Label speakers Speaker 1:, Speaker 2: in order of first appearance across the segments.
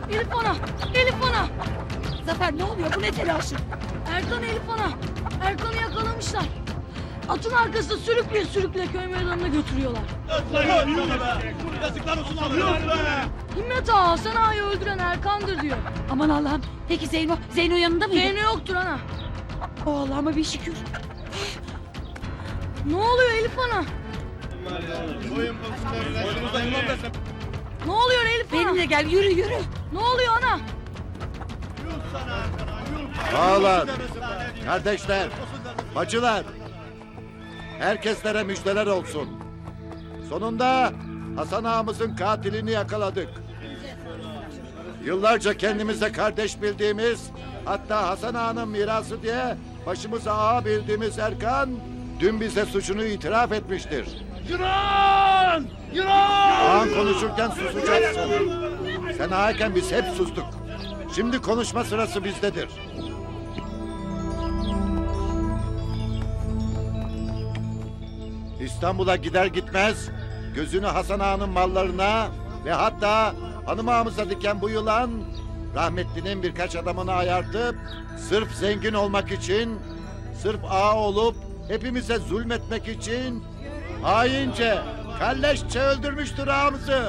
Speaker 1: Elif ana! Elif ana!
Speaker 2: Zafer ne oluyor? Bu ne telaşı?
Speaker 1: Erkan Elif ana! Erkan'ı yakalamışlar. Atın arkasında sürükle sürükle köy meydanına götürüyorlar.
Speaker 3: Yazıklar olsun alıyoruz be.
Speaker 1: Himmet Ağa Hasan Ağa'yı öldüren Erkan'dır diyor.
Speaker 2: Aman Allah'ım. Peki Zeyno? Zeyno yanında mıydı?
Speaker 1: Zeyno yoktur ana.
Speaker 2: O Allah'ıma bir şükür.
Speaker 1: Ne oluyor Elif ana? Ne oluyor Elif ana?
Speaker 2: Benimle gel yürü yürü.
Speaker 1: Ne oluyor ana?
Speaker 4: Ağalar, kardeşler, bacılar, herkeslere müjdeler olsun. Sonunda Hasan ağamızın katilini yakaladık. Yıllarca kendimize kardeş bildiğimiz, hatta Hasan ağanın mirası diye başımıza ağa bildiğimiz Erkan, dün bize suçunu itiraf etmiştir.
Speaker 3: Yılan! Yılan!
Speaker 4: Ağan konuşurken susacaksın. Sen ağayken biz hep sustuk. Şimdi konuşma sırası bizdedir. İstanbul'a gider gitmez gözünü Hasan Ağa'nın mallarına ve hatta hanım ağamıza diken bu yılan rahmetlinin birkaç adamını ayartıp sırf zengin olmak için, sırf ağa olup hepimize zulmetmek için haince, kalleşçe öldürmüştür ağamızı.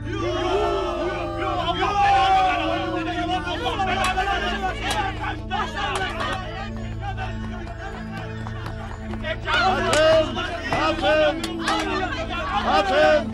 Speaker 4: Atın! Atın! Atın!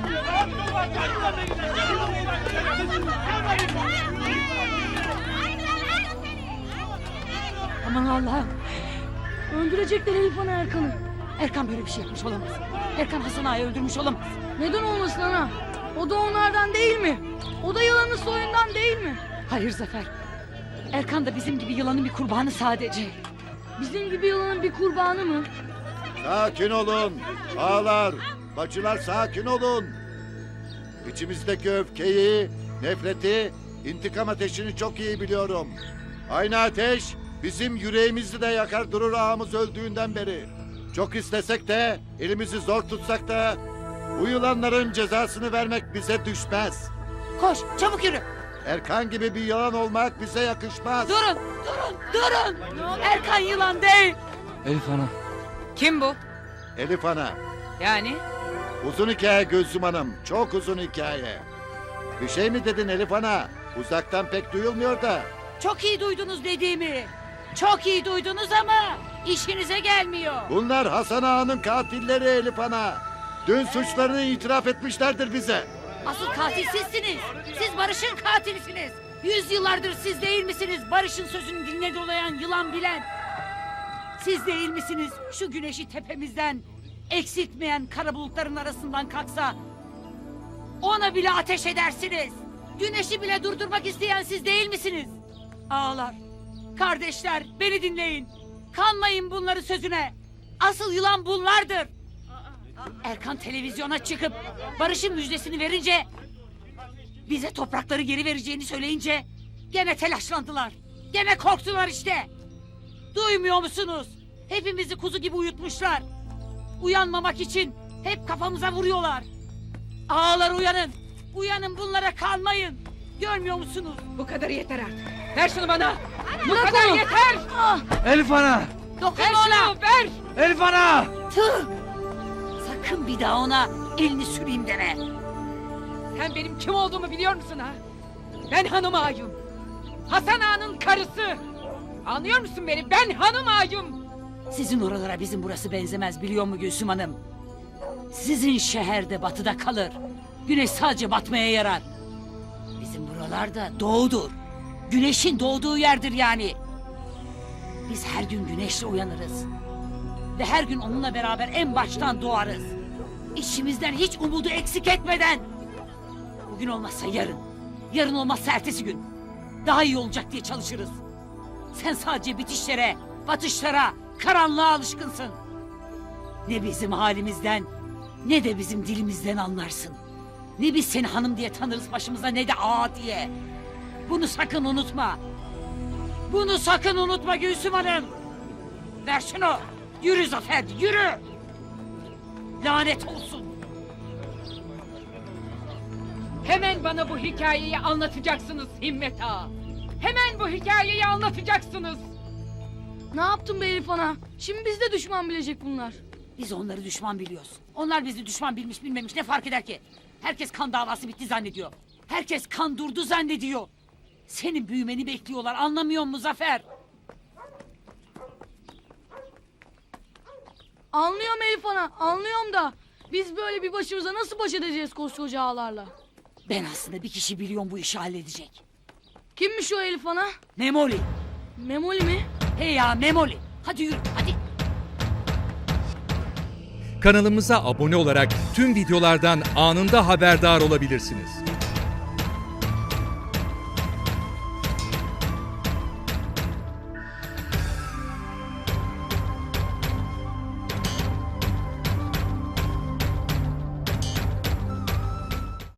Speaker 2: Aman Allah'ım.
Speaker 1: Öldürecekler Elif ana Erkan'ı.
Speaker 2: Erkan böyle bir şey yapmış olamaz. Erkan Hasan Ağa'yı öldürmüş olamaz.
Speaker 1: Neden olmasın ana? O da onlardan değil mi? O da yılanın soyundan değil mi?
Speaker 2: Hayır Zafer. Erkan da bizim gibi yılanın bir kurbanı sadece.
Speaker 1: Bizim gibi yılanın bir kurbanı mı?
Speaker 4: Sakin olun. Ağalar, bacılar sakin olun. İçimizdeki öfkeyi, nefreti, intikam ateşini çok iyi biliyorum. Aynı ateş bizim yüreğimizi de yakar durur ağamız öldüğünden beri. Çok istesek de, elimizi zor tutsak da bu yılanların cezasını vermek bize düşmez.
Speaker 2: Koş çabuk yürü.
Speaker 4: Erkan gibi bir yılan olmak bize yakışmaz.
Speaker 2: Durun durun. Erkan yılan değil.
Speaker 5: Elif ana.
Speaker 2: Kim bu?
Speaker 4: Elif ana,
Speaker 2: Yani?
Speaker 4: uzun hikaye Gülsüm Hanım, çok uzun hikaye. Bir şey mi dedin Elif ana? Uzaktan pek duyulmuyor da.
Speaker 2: Çok iyi duydunuz dediğimi. Çok iyi duydunuz ama işinize gelmiyor.
Speaker 4: Bunlar Hasan Ağa'nın katilleri Elif ana. Dün suçlarını itiraf etmişlerdir bize.
Speaker 2: Asıl katil sizsiniz. Siz Barış'ın katilisiniz. 100 yıllardır siz değil misiniz Barış'ın sözünü dinle dolayan yılan bilen? Siz değil misiniz şu güneşi tepemizden eksiltmeyen kara bulutların arasından kalksa ona bile ateş edersiniz. Güneşi bile durdurmak isteyen siz değil misiniz? Ağalar, kardeşler beni dinleyin. Kanmayın bunları sözüne. Asıl yılan bunlardır. Erkan televizyona çıkıp Barış'ın müjdesini verince, bize toprakları geri vereceğini söyleyince gene telaşlandılar. Gene korktular işte. Duymuyor musunuz? Hepimizi kuzu gibi uyutmuşlar. Uyanmamak için hep kafamıza vuruyorlar. Ağalar uyanın. Uyanın, bunlara kanmayın. Görmüyor musunuz? Bu kadar yeter artık. Ver şunu bana. Bu kadar yeter.
Speaker 5: Elif ana.
Speaker 2: Dokunma ona. Ver.
Speaker 5: Elif ana.
Speaker 2: Tüh! Sakın bir daha ona elini süreyim deme.
Speaker 6: Sen benim kim olduğumu biliyor musun ha? Ben hanım ağayım. Hasan ağanın karısı. Anlıyor musun beni? Ben hanım ağayım.
Speaker 2: Sizin oralara bizim burası benzemez biliyor mu Gülsüm Hanım? Sizin şehirde batıda kalır. Güneş sadece batmaya yarar. Bizim buralarda doğudur. Güneşin doğduğu yerdir yani. Biz her gün güneşle uyanırız. Ve her gün onunla beraber en baştan doğarız. İçimizden hiç umudu eksik etmeden. Bugün olmazsa yarın. Yarın olmazsa ertesi gün. Daha iyi olacak diye çalışırız. Sen sadece bitişlere, batışlara, karanlığa alışkınsın. Ne bizim halimizden, ne de bizim dilimizden anlarsın. Ne biz seni hanım diye tanırız başımıza, ne de ağa diye. Bunu sakın unutma. Bunu sakın unutma Gülsüm Hanım. Ver şunu. Yürü Zafer, yürü. Lanet olsun.
Speaker 6: Hemen bana bu hikayeyi anlatacaksınız Himmet Ağa. Hemen bu hikayeyi anlatacaksınız.
Speaker 1: Ne yaptın be Elif Ana? Şimdi biz de düşman bilecek bunlar.
Speaker 2: Biz onları düşman biliyoruz. Onlar bizi düşman bilmiş bilmemiş ne fark eder ki? Herkes kan davası bitti zannediyor. Herkes kan durdu zannediyor. Senin büyümeni bekliyorlar, anlamıyor musun Zafer?
Speaker 1: Anlıyorum Elif Ana, anlıyorum da biz böyle bir başımıza nasıl baş edeceğiz koskoca ağalarla?
Speaker 2: Ben aslında bir kişi biliyorum bu işi halledecek.
Speaker 1: Kimmiş o Elif Ana?
Speaker 2: Memoli.
Speaker 1: Memoli mi?
Speaker 2: Hey ya Memoli. Hadi yürü hadi.
Speaker 7: Kanalımıza abone olarak tüm videolardan anında haberdar olabilirsiniz.